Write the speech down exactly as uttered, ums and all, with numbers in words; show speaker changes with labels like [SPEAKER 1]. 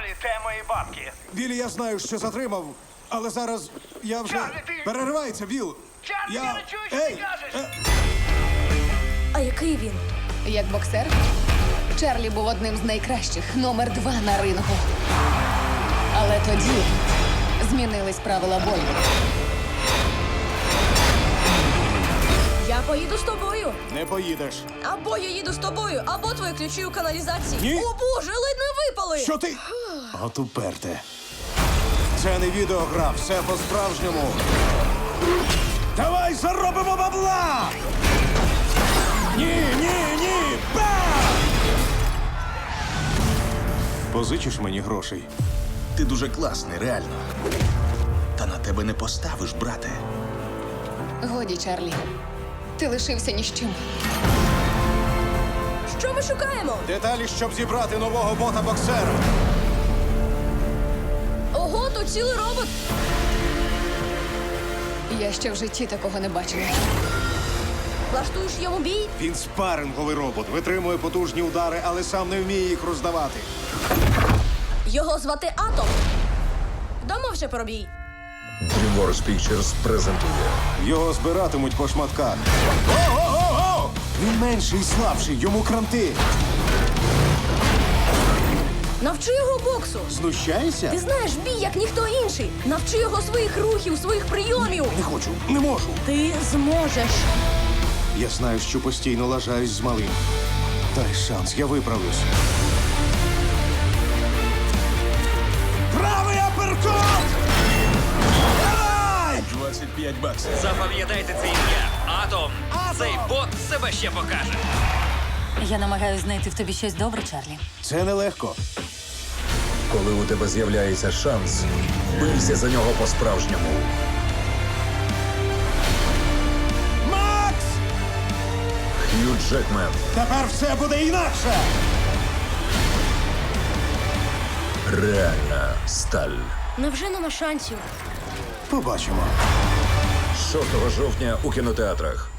[SPEAKER 1] Чарлі, це мої бабки.
[SPEAKER 2] Вілі, я знаю, що затримав, але зараз я вже...
[SPEAKER 1] Чарлі, ти-
[SPEAKER 2] Переривається, Віл!
[SPEAKER 1] Чарлі, я не чую, що
[SPEAKER 2] Ей!
[SPEAKER 1] ти кажеш.
[SPEAKER 2] Е,
[SPEAKER 3] А який він?
[SPEAKER 4] Як боксер, Чарлі був одним з найкращих, номер два на рингу. Але тоді змінились правила бою.
[SPEAKER 3] Я поїду з тобою.
[SPEAKER 2] Не поїдеш.
[SPEAKER 3] Або я їду з тобою, або твої ключі у каналізації.
[SPEAKER 2] Ні.
[SPEAKER 3] О боже, ледь не випали!
[SPEAKER 2] Що ти? От уперте. Це не відеогра, все по-справжньому. Давай заробимо бабла! Ні, ні, ні! Бам! Позичиш мені грошей?
[SPEAKER 5] Ти дуже класний, реально. Та на тебе не поставиш, брате.
[SPEAKER 4] Годі, Чарлі. Ти лишився ні з чим.
[SPEAKER 3] Що ми шукаємо?
[SPEAKER 2] Деталі, щоб зібрати нового бота-боксера.
[SPEAKER 3] Ого, тут цілий робот.
[SPEAKER 4] Я ще в житті такого не бачила.
[SPEAKER 3] Влаштуєш йому бій?
[SPEAKER 2] Він спаринговий робот, витримує потужні удари, але сам не вміє їх роздавати.
[SPEAKER 3] Його звати Атом. Домовся про бій.
[SPEAKER 6] DreamWorks Pictures презентує
[SPEAKER 2] Його збиратимуть по шматках. О-о-о-о! Він менший і слабший, йому кранти.
[SPEAKER 3] Навчи його боксу.
[SPEAKER 2] Знущаєшся?
[SPEAKER 3] Ти знаєш бій, як ніхто інший. Навчи його своїх рухів, своїх прийомів.
[SPEAKER 2] Не хочу, не можу.
[SPEAKER 3] Ти зможеш.
[SPEAKER 2] Я знаю, що постійно лажаюсь з малим. Дай шанс, я виправлюсь. Правий аперкот! Давай!
[SPEAKER 5] двадцять п'ять баксів.
[SPEAKER 1] Запам'ятайте це ім'я. Атом. Цей бот себе ще покаже.
[SPEAKER 7] Я намагаюся знайти в тобі щось добре, Чарлі.
[SPEAKER 2] Це нелегко.
[SPEAKER 6] Коли у тебе з'являється шанс, бийся за нього по-справжньому.
[SPEAKER 2] Макс!
[SPEAKER 6] Хью Джекмен,
[SPEAKER 2] Тепер все буде інакше!
[SPEAKER 6] реальна сталь.
[SPEAKER 3] Невже нема шансів?
[SPEAKER 2] Побачимо.
[SPEAKER 6] шостого жовтня у кінотеатрах.